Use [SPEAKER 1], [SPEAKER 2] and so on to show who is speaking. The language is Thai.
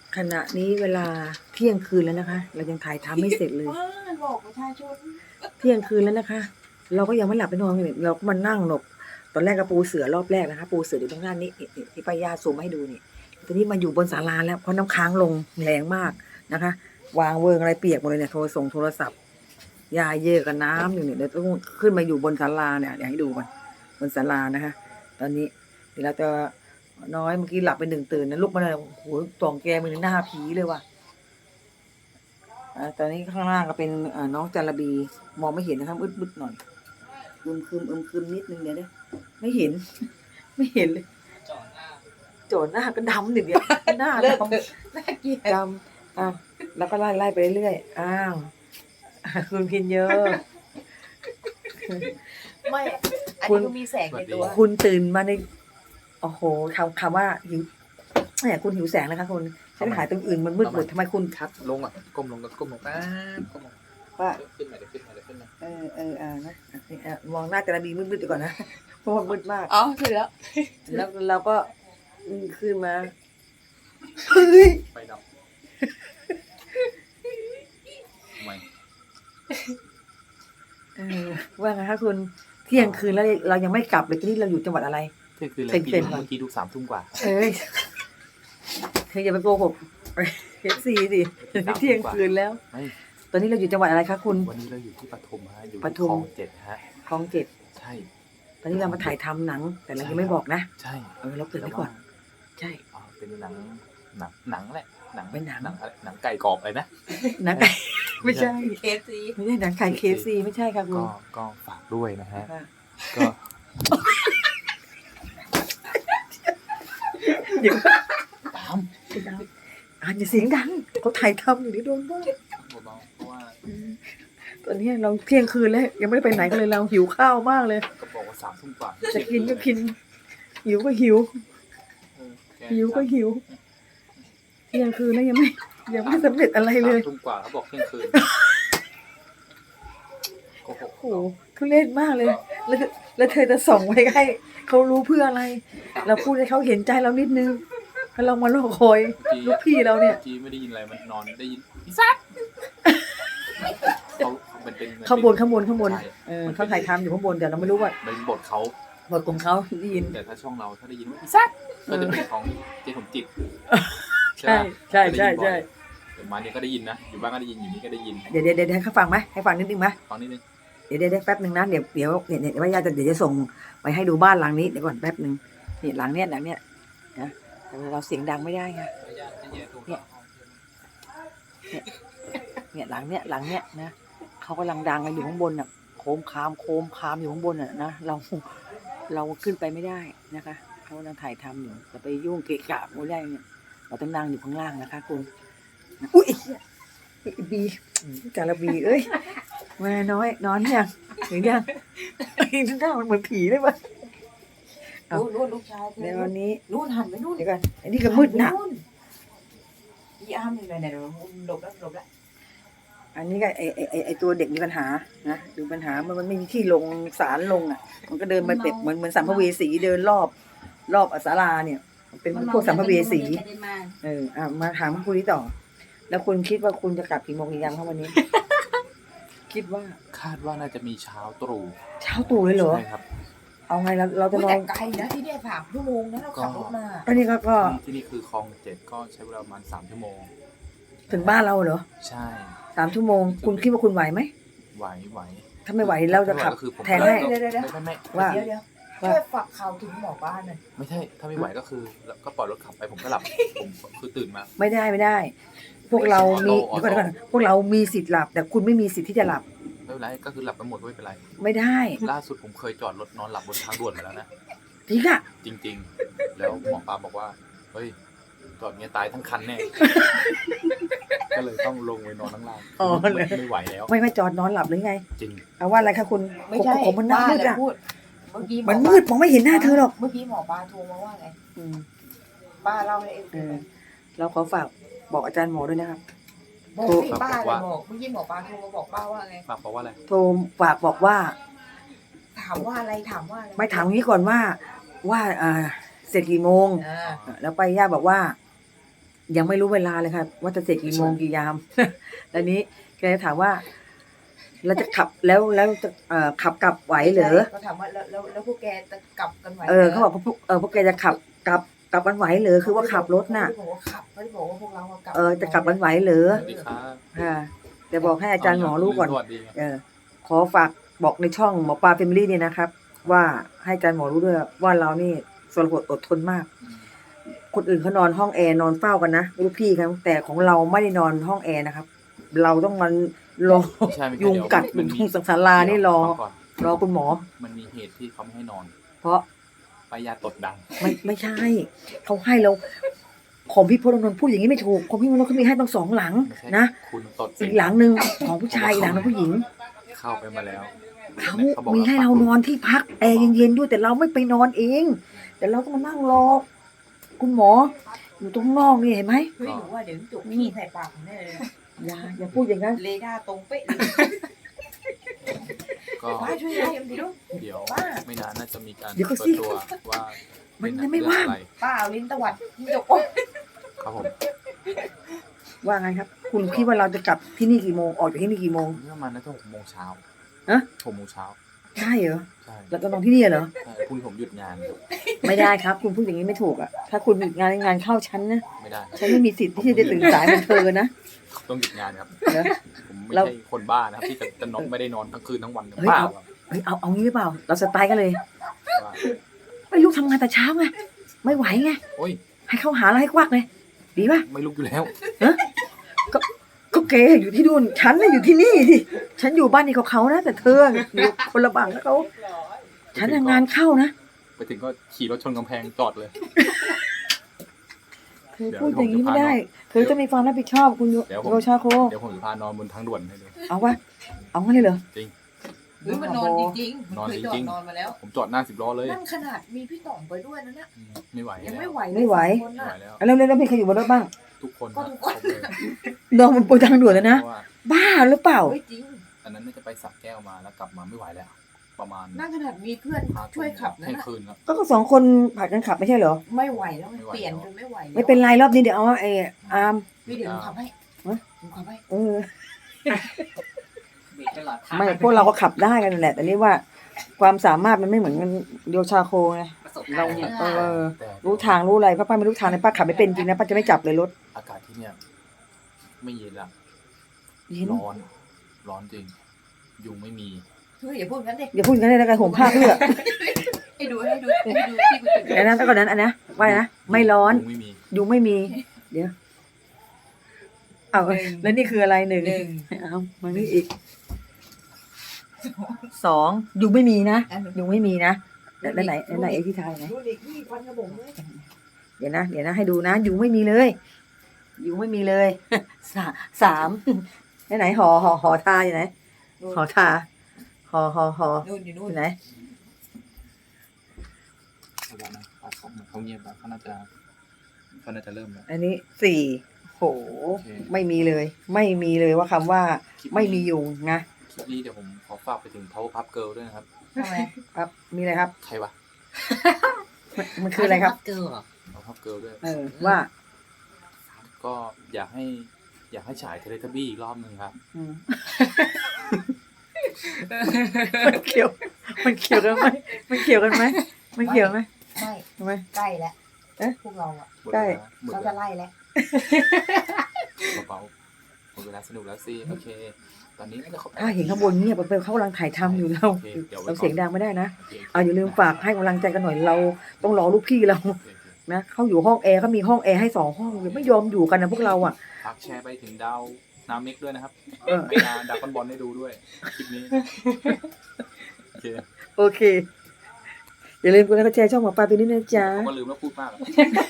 [SPEAKER 1] ขณะนี้เวลาเที่ยงคืนแล้วนะคะ เรายังถ่ายทำไม่เสร็จเลย
[SPEAKER 2] บอกประชาชน
[SPEAKER 1] เที่ยงคืนแล้วนะคะ เราก็ยังไม่หลับไม่นอนเลยเราก็มานั่งหลบตอนแรกก็ปูเสือรอบแรกนะคะ ปูเสืออยู่ตรงหน้านี้ที่ป้ายาซูมให้ดูนี่ตอนนี้มาอยู่บนศาลาแล้วเพราะน้ำค้างลงแรงมากนะคะ วางเวิงอะไรเปียกหมดเลยเนี่ยโทรศัพท์ยาเยอะกับน้ำอยู่เนี่ยเดี๋ยวต้องขึ้นมาอยู่บนศาลาเนี่ยอยากให้ดูก่อนบนศาลานะคะ ตอนนี้เดี๋ยวเราจะน้อยเมื่อกี้หลับไปหนึ่งตื่นนะลุกมาเลยโอ้โหตองแกมือหน้าผีเลยว่ะตอนนี้ข้างล่างก็เป็นน้องจาระบีมองไม่เห็นนะครับอึดๆหน่อยอึมครึมนิดนึงเดี๋ยวนะไม่เห็น ไม่เห็นเลยโจนหน้าก็ดำหนึ่งเดียวหน้าดำ
[SPEAKER 2] น่าเกลียด
[SPEAKER 1] ดำแล้วก็ไล่ไปเรื่อยอ้าวคุณพินเยอะ
[SPEAKER 2] ไม่อันนี้ก็มีแสงในตัว
[SPEAKER 1] คุณตื่นมาในโอ้โหคำว่าหิวเนี่ยคุณหิวแสงแล้วคะคุณฉันหายตรงอื่นมันมืดหมดทำไมคุณ
[SPEAKER 3] คัดลงอ่ะก้มลงก้มลงป๊าก้มลง
[SPEAKER 1] ว่า
[SPEAKER 3] ขึ้นมาเดี๋ยวขึ้นมา
[SPEAKER 1] นะมองหน้าจาระบีมืดๆดีก่อนนะเพราะว่ามืดมาก
[SPEAKER 2] อ๋อถึงแล้ว
[SPEAKER 1] เราก็ขึ้นมาเฮ้ย
[SPEAKER 3] ไฟดับทำไม
[SPEAKER 1] ว่าไงคะคุณเที่ยงคืนแล้วเรายังไม่กลับเลยที่นี่เราอยู่จังหวัดอะไร
[SPEAKER 3] เที่ยงคืนแล้วกี่โมงเมื่อกี้ดู3 ทุ่มกว่า
[SPEAKER 1] เอ้ยเธออย่าไปโกหกเอฟซีสิเที่ยงคืนแล้วตอนนี้เราอยู่จังหวัดอะไรคะคุณ
[SPEAKER 3] วันนี้เราอยู่ที่ปทุมฮะอยู่
[SPEAKER 1] ปทุม
[SPEAKER 3] คลอง7ฮะ
[SPEAKER 1] คลอง7
[SPEAKER 3] ใช่
[SPEAKER 1] ตอนนี้เรามาถ่ายทำหนังแต่เรายังไม่บอกนะ
[SPEAKER 3] ใช่
[SPEAKER 1] เราเกิดไว้ก่อนใช่
[SPEAKER 3] เป็นหนังแหละ
[SPEAKER 1] เป็นห
[SPEAKER 3] นังไก่กรอบเลยนะ
[SPEAKER 1] หนังไก่ไม่ใช่
[SPEAKER 2] KFC
[SPEAKER 1] ไม่ใช่หนังไก่ KFC ไม่ใช่ค่ะคุณ
[SPEAKER 3] ก็ฝากด้วยนะฮะก็
[SPEAKER 1] เดี๋ยวตามอย่าเสียงดังเขาถ่ายทำอยู่นี่โดนบ้าง
[SPEAKER 3] เพราะว่า
[SPEAKER 1] ตอนนี้เราเที่ยงคืนแล้วยังไม่ได้ไปไหนกันเลยเราหิวข้าวมากเลย
[SPEAKER 3] ก็บอกว่า3 ทุ่มกว่า
[SPEAKER 1] จะกินก็กินหิวก็หิวก็หิวเที่ยงคืนแล้วยังไม่สำเร็จอะไรเลย
[SPEAKER 3] 3 ทุ่มกว่าเขาบอกเที่ยงคืน
[SPEAKER 1] โอ้โหทุเรศมากเลยแล้วเธอจะส่งไว้ให้เขารู้เพื่ออะไรเราพูดให้เขาเห็นใจเรานิดนึงถ้าเรามาโลกคอยลูกพี่เราเนี่ย
[SPEAKER 3] เมื่อกี้ไม่ได้ยินอะไรมันนอนได้ยินพิซซ่าเขาเป็น
[SPEAKER 1] ข้างบนเขาถ่ายทำอยู่ข้างบนแต่เราไม่รู้ว่า
[SPEAKER 3] เป็นบทเขา
[SPEAKER 1] บทของเขาได้ยิน
[SPEAKER 3] แต่ถ้าช่องเราถ้าได้ยินว่าพิซซ่าก็จะเป็นของเจ๊สมจิต
[SPEAKER 1] ใช่เ
[SPEAKER 3] ดี๋ยวมาเนี่ยก็ได้ยินนะอยู่บ้านก็ได้ยินอยู่นี่ก็ได้ยิน
[SPEAKER 1] เดี๋ยวให้เขาฟังไหมให้ฟังนิดนึงไหม
[SPEAKER 3] ฟังนิดนึง
[SPEAKER 1] เดี๋ยวแป๊บนึงนะเดี๋ยวว่าญาติเดี๋ยวจะส่งไปให้ดูบ้านหลังนี้เดี๋ยวก่อนแป๊บนึงนี่หลังเนี้ยนะเราเสียงดังไม่ได้ไงเนี่ยหลังเนี้ยนะเขากำลังดังกันอยู่ข้างบนน่ะโคมคามอยู่ข้างบนน่ะนะเราขึ้นไปไม่ได้นะคะเขากำลังถ่ายทำอยู่จะไปยุ่งเกะกะไม่ได้เนี่ยเราต้องนั่งอยู่ข้างล่างนะคะคุณอุ้ยบีจาระบีเอ้ยมาน้อยนอนยังหรือยังหน้ามันเหมือนผีเลยป่ะ
[SPEAKER 2] นู่นลูกชาย
[SPEAKER 1] ในวันนี้
[SPEAKER 2] นู่นหันไปนู่น
[SPEAKER 1] เดี๋ยวก่อนอันนี้ก็มืดหนัก
[SPEAKER 2] พี่อ้ามอยู่ไหนหลบแล้ว
[SPEAKER 1] อันนี้ก็ไอตัวเด็กมีปัญหานะดูปัญหามันไม่มีที่ลงศาลลงอ่ะมันก็เดินมาเป็ดเหมือนสัมภเวสีเดินรอบศาลาเนี่ยเป็นพวกสัมภเวสีมาถามคุณนี้ต่อแล้วคุณคิดว่าคุณจะกลับกี่โมงกี่ยามครับวันนี้คิดว่า
[SPEAKER 3] คาดว่าน่าจะมีเช้าตรู่
[SPEAKER 1] เลยเหรอ
[SPEAKER 3] ใช่ครับ
[SPEAKER 1] เอาไงเราจะนอน
[SPEAKER 2] ไกลนะที่เนี่ย3 ชั่วโมงนะเราขับรถมา
[SPEAKER 1] อันนี้ก็
[SPEAKER 3] ที่นี่คือคลอง7ก็ใช้เวลาประมาณ3 ชั่วโมง
[SPEAKER 1] ถึงบ้านเราเหรอ
[SPEAKER 3] ใช่
[SPEAKER 1] 3 ชั่วโมงคุณคิดว่าคุณไหวไหม
[SPEAKER 3] ไหว
[SPEAKER 1] ถ้าไม่ไหวเราจะขับแทนให้
[SPEAKER 3] ไม่
[SPEAKER 1] ว่า
[SPEAKER 2] ช่วยฝากข่าวถึงหมอบ้านหน่อย
[SPEAKER 3] ไม่ใช่ถ้าไม่ไหวก็คือก็ปล่อยรถขับไปผมก็หลับผมคือตื่นมา
[SPEAKER 1] ไม่ได้พวกเรามีเดี๋ยวก่อนพวกเรามีสิทธิ์หลับแต่คุณไม่มีสิทธิ์ที่จะหลับ
[SPEAKER 3] ไม่เป็นไรก็คือหลับกันหมดไม่เป็นไร
[SPEAKER 1] ไม่ได้
[SPEAKER 3] ล่าสุดผมเคยจอดรถนอนหลับบนทางด่วนมาแล้วนะ
[SPEAKER 1] จริงอะ
[SPEAKER 3] จริงแล้วหมอปลาบอกว่าเฮ้ยจอดเงี้ยตายทั้งคันแน่ก็เลยต้องลงไปนอนข้างล่างไม่ไหวแล้ว
[SPEAKER 1] ไม่จอดนอนหลับหรือไง
[SPEAKER 3] จริง
[SPEAKER 1] เอาว่าอะไรคะคุณ
[SPEAKER 2] ไม่ใช่
[SPEAKER 1] ผมมันมืดอะ
[SPEAKER 2] เมื่อกี้
[SPEAKER 1] มันมืดมองไม่เห็นหน้าเธอหรอก
[SPEAKER 2] เมื่อกี้หมอปลาโทรมาว่าไงป้าเล่าให้
[SPEAKER 1] เราขอฝากบอกอาจารย์หมอด้วยนะครับ
[SPEAKER 2] บอกพี่ป้าเลยบอกเมื่อกี้หมอปลาโทรมาบอกป้าว่าไง
[SPEAKER 3] ฝากบอกว่าอะไร
[SPEAKER 1] โทรฝากบอกว่า
[SPEAKER 2] ถามว่าอะไร
[SPEAKER 1] ไม่ถามงี้ก่อนว่าเสร็จกี่โมงแล้วไปย่าบอกว่ายังไม่รู้เวลาเลยค่ะว่าจะเสร็จกี่โมงกี่ยาม แล้วนี้แกถามว่าเราจะขับแล้วจะขับกลับไหวเหรอ
[SPEAKER 2] ก็ถามว่าแล้วพวกแกจะกลับกันไหว
[SPEAKER 1] เขาบอกพวกแกจะขับกลับกันไหวเหรอคือว่าขับรถน่ะ
[SPEAKER 2] เขาบอกว่าขับเขาบอกว่าพวกเรากลับ
[SPEAKER 1] จะกลับกันไหวเหรอ
[SPEAKER 3] สวัสดีครับ
[SPEAKER 1] ค่ะแต่บอกให้อาจารย์หมอรู้ก่อน
[SPEAKER 3] สวัสดีครับ
[SPEAKER 1] ขอฝากบอกในช่องหมอปลาเฟมิลี่เนี่ยนะครับ ว่าให้อาจารย์หมอรู้ด้วยว่าเรานี่สรหดอดทนมาก คนอื่นเขานอนห้องแอร์นอนเฝ้ากันนะลูกพี่ครับแต่ของเราไม่ได้นอนห้องแอร์นะครับ เราต้องมันรอ
[SPEAKER 3] ไม่ใช่ไม่ใช่
[SPEAKER 1] ยุงกัด
[SPEAKER 3] เดี๋ยวมันมี
[SPEAKER 1] ยุงสังสารานี่รอ
[SPEAKER 3] ฟังก่อน
[SPEAKER 1] รอคุณหมอ
[SPEAKER 3] มันมีเหตุที่เขาไม่ให้นอน
[SPEAKER 1] เพราะ
[SPEAKER 3] ป้ายาตดดัง
[SPEAKER 1] ไม่ใช่เขาให้เราของพี่พลนนท์พูดอย่างนี้ไม่ถูกของพี่พลนนท์เขามีให้ต้อง2 หลัง
[SPEAKER 3] ไม่ใช่
[SPEAKER 1] นะ
[SPEAKER 3] คุณตด
[SPEAKER 1] อีกหลังหนึ่งของผู้ชายอีกหลังหนึงผู้หญิง
[SPEAKER 3] เข้าไปมาแล้ว
[SPEAKER 1] เขา
[SPEAKER 3] บอก
[SPEAKER 1] มีให้เรานอนที่พักแอร์เย็นๆด้วยแต่เราไม่ไปนอนเอง แต่เราต้องมานั่งรอคุณหมอ อยู่ตรงนอกนี่เห็นไหม
[SPEAKER 2] เฮ้ยหนูว่าเดี๋ยวจุกขี้ใส่ปากผมแน่เลย
[SPEAKER 1] อย่าพูดอย่างนั้น
[SPEAKER 2] เรดาร์ตรงเป๊ะเลย
[SPEAKER 3] ก็
[SPEAKER 2] มาช่วยยายยังดีลูก
[SPEAKER 3] เดี๋ยวไม่นานน่าจะมีการ
[SPEAKER 1] เดี๋ยวก็
[SPEAKER 3] เปิ
[SPEAKER 1] สิ
[SPEAKER 3] ดตัวว่า
[SPEAKER 1] มั
[SPEAKER 3] มัน
[SPEAKER 1] ยังไม่ว่าง
[SPEAKER 2] ป้าเอาลิ้นตวัดที่จกโอ๊ย
[SPEAKER 3] ครับผม
[SPEAKER 1] ว่าไงครับ คุณคิดว่าเราจะกลับที่นี่กี่โมงออกจากที่นี่กี่โมง
[SPEAKER 3] นี่ประมาณน่าจะ6 โมงเช้า
[SPEAKER 1] ฮะ
[SPEAKER 3] 6 โมงเช้า
[SPEAKER 1] ใช่เหรอ
[SPEAKER 3] ใช่
[SPEAKER 1] เราจะนอนที่นี่เหรอ
[SPEAKER 3] ใช่พรุ่งนี้ผมหยุดงาน
[SPEAKER 1] ไม่ได้ครับ คุณพูดอย่างนี้ไม่ถูกอ่ะถ้าคุณหยุดงานเข้าฉันนะ
[SPEAKER 3] ไม่ได้
[SPEAKER 1] ฉันไม่มีสิทธิ์ที่จะตื่นสายเหมือนเธอนะ
[SPEAKER 3] ต้องหยุดงานครับ
[SPEAKER 1] เหรอ
[SPEAKER 3] ผมไม่
[SPEAKER 1] เรา
[SPEAKER 3] ใช่คนบ้านะครับที่จะนอนไม่ได้นอนทั้งคืนทั้งวัน
[SPEAKER 1] เฮ้ย
[SPEAKER 3] บ้า
[SPEAKER 1] เอา
[SPEAKER 3] ครับ
[SPEAKER 1] เฮ้ยเอางี้หรือเปล่า เราสไตล์กันเลย
[SPEAKER 3] ว่า
[SPEAKER 1] ไม่ลูกทำงานแต่เช้าไงไม่ไหวไง
[SPEAKER 3] โอ้ย
[SPEAKER 1] ให้เข้าหาแล้วให้ควักเลยดีป่ะ
[SPEAKER 3] ไม่ลุกอยู่แล้ว
[SPEAKER 1] ก็แกอยู่ที่นู่นฉันน่ะอยู่ที่นี่ดิฉันอยู่บ้านนี้เขานะแต่เธออยู่คนละบังแล้วเขาฉันน่ะงานเข้านะ
[SPEAKER 3] ไปถึงก็ขี่รถชนกำแพงจอดเลย
[SPEAKER 1] เธอพูดอย่างนี้ไม่ได้ เธอจะมีความรับผิดชอบคุณ
[SPEAKER 3] เดี๋ยวผม
[SPEAKER 1] โยชาโค
[SPEAKER 3] เดี๋ยวผมจะพานอนบนทางด่วนให้ดู
[SPEAKER 1] เอาวะเอางั้นเลยเหรอ
[SPEAKER 3] จริง
[SPEAKER 2] หรือมันนอนจริงๆ
[SPEAKER 3] นอน
[SPEAKER 2] เคย
[SPEAKER 3] จ
[SPEAKER 2] จอ
[SPEAKER 3] ริ
[SPEAKER 2] ด
[SPEAKER 3] ง
[SPEAKER 2] นอนมาแล้ว
[SPEAKER 3] ผมจอดหน้า10 ล้อเลย
[SPEAKER 2] นั่นขนาดมีพี่ต่องไปด้วยนะเนี่ย
[SPEAKER 3] ไม่ไหว
[SPEAKER 2] ยัง
[SPEAKER 3] แล้
[SPEAKER 2] ไม่
[SPEAKER 3] ว
[SPEAKER 2] ไหวเลย
[SPEAKER 1] ไม่ไหว
[SPEAKER 2] สองคน
[SPEAKER 3] ไม่
[SPEAKER 2] น่ะ
[SPEAKER 3] ไหวแล้ว
[SPEAKER 1] แล้วมีใครอยู่บนรถบ้าง
[SPEAKER 3] ทุกคน
[SPEAKER 2] ก็
[SPEAKER 3] นะ
[SPEAKER 2] ทุก
[SPEAKER 3] ค
[SPEAKER 2] ค
[SPEAKER 3] ร
[SPEAKER 2] น
[SPEAKER 3] บเลย
[SPEAKER 1] นอนบนทางด่วนเลยนะ
[SPEAKER 3] เพราะว่า
[SPEAKER 1] บ้าหรือเปล่า
[SPEAKER 2] เฮ้ยจริง
[SPEAKER 3] อันนั้นน่าจะไปสักแก้วมาแล้วกลับมาไม่ไหวแล้ว ประมาณ
[SPEAKER 2] นั่นขนาดมีเพื่อนช่วยขับนะ
[SPEAKER 3] เที่ยง
[SPEAKER 2] น่ะ
[SPEAKER 3] คืนครับ
[SPEAKER 1] ก็สองคนผัดกันขับไม่ใช่เหรอ
[SPEAKER 2] ไม่ไหวแล้วไง
[SPEAKER 3] ไม่ไหว
[SPEAKER 2] เปลี่ยนจนไม่ไหวแล้ว
[SPEAKER 1] ไม่เป็นไรรอบนี้เดี๋ยวเอาอาร์ม
[SPEAKER 2] พี่เดี๋ยวหนูขับให้
[SPEAKER 1] ฮะ
[SPEAKER 2] หนูขับให้
[SPEAKER 1] เออไม่พวกเราก็ขับได้กันนั่นแหละ แต่นี่ว่าความสามารถมันไม่เหมือนกันโยชาโคไงเราเนี่ย
[SPEAKER 3] แต่
[SPEAKER 1] รู้ทางรู้อะไรป้าไม่รู้ทางเลยป้าขับไม่เป็นจริงนะป้าจะไม่จับเลยรถ
[SPEAKER 3] อากาศที่เนี่ยไม่เย็นละ
[SPEAKER 1] เย็น
[SPEAKER 3] ร้อน ร้อนจริง ยุงไม่มี
[SPEAKER 2] เฮ้ยอย่าพูดงั้นดิ
[SPEAKER 1] อย่าพูดอย่างนั้นเลยนะกันห่มผ้าเพื่อ
[SPEAKER 2] ให้ดูที่กูตื่น
[SPEAKER 1] เดี๋ยวนะก่อนนั้นอันนะว่านะไม่ร้อน
[SPEAKER 3] ยุงไม่มี
[SPEAKER 1] ยุงไม่มี เดี๋ยวเอาแล้วนี่คืออะไรหนึ่ง
[SPEAKER 2] หนึ่ง
[SPEAKER 1] เอามานี่อีก2ยุงไม่มีนะ
[SPEAKER 2] อันหนึ่ง
[SPEAKER 1] ยุงไม่มีนะแล้วไหนไอ้ที่ทายไหน
[SPEAKER 2] ดูดิพี่ควันกระบอกเลย
[SPEAKER 1] เดี๋ยวนะให้ดูนะยุงไม่มีเลยยุงไม่มีเลยสามไหนห่อทาอยู่ไหนห่อทาห่อ
[SPEAKER 2] นู่นอยู่นู่
[SPEAKER 1] อน ยู่ไหน
[SPEAKER 3] เขาบอกนะเขาเงียบแล้วเขาน่าจะเริ่มแล้ว
[SPEAKER 1] อันนี้4โห
[SPEAKER 3] โอเค
[SPEAKER 1] ไม่มีเลย ไม่มีเลยว่าคำว่าไม่มียุงนะ
[SPEAKER 3] คลิปนี้เดี๋ยวผมขอฝากไปถึง Power Puff Girl ด้วยนะครับ
[SPEAKER 2] ทำไม
[SPEAKER 1] ครับ มีอะไรครับ
[SPEAKER 3] ใครวะ
[SPEAKER 1] มันคืออะไรครับ
[SPEAKER 2] เกิร์ล
[SPEAKER 3] Power Puff Girl ด้วย
[SPEAKER 1] ว่า
[SPEAKER 3] ก็อยากให้ฉายเทเลทับบี้อีกรอบหนึ่งครับ
[SPEAKER 1] อืมมันเกี่ยวกันไหมมันเกี่ยวกันไหม
[SPEAKER 2] ไม่
[SPEAKER 1] ทำไม
[SPEAKER 2] ใกล้แล้ว
[SPEAKER 1] เอ๊ะ
[SPEAKER 2] พวกเราอ่ะ
[SPEAKER 1] ใกล้
[SPEAKER 3] หมด
[SPEAKER 2] เรา
[SPEAKER 3] เว
[SPEAKER 2] จะ
[SPEAKER 3] ลา
[SPEAKER 2] ไล่แล้ว
[SPEAKER 3] เบาๆหมดเวลาสนุกแล้วสิโอเค ตอนนี้น่าจะครบ
[SPEAKER 1] ถ้าเห็นข้างบนเงียบไปเขากำลังถ่ายทำอยู่เรา
[SPEAKER 3] โอเคเดี๋ยวไว้ก่อน
[SPEAKER 1] เราเสียงดังไม่ได้นะ
[SPEAKER 3] โอเค
[SPEAKER 1] อย่าลืมฝากให้กำลังใจกันหน่อยเราต้องรอลูกพี่เรา
[SPEAKER 3] โอเค
[SPEAKER 1] นะเขาอยู่ห้องแอร์เขามีห้องแอร์ให้2 ห้องไม่ยอมอยู่กันนะพวกเราอ่ะ
[SPEAKER 3] ฝากแชร์ไปถึงดาวนาเมกด้วยนะครับ
[SPEAKER 1] เออ
[SPEAKER 3] ให้ดาวคอนบอลได้ดูด้วยคลิปนี้โอเค
[SPEAKER 1] โอเค อย่าลืมกดไลค์กดแชร์ช่องหมอปลาไปนิดนะจ๊ะ
[SPEAKER 3] เขาก็ลืมแล้วพูดมากอะ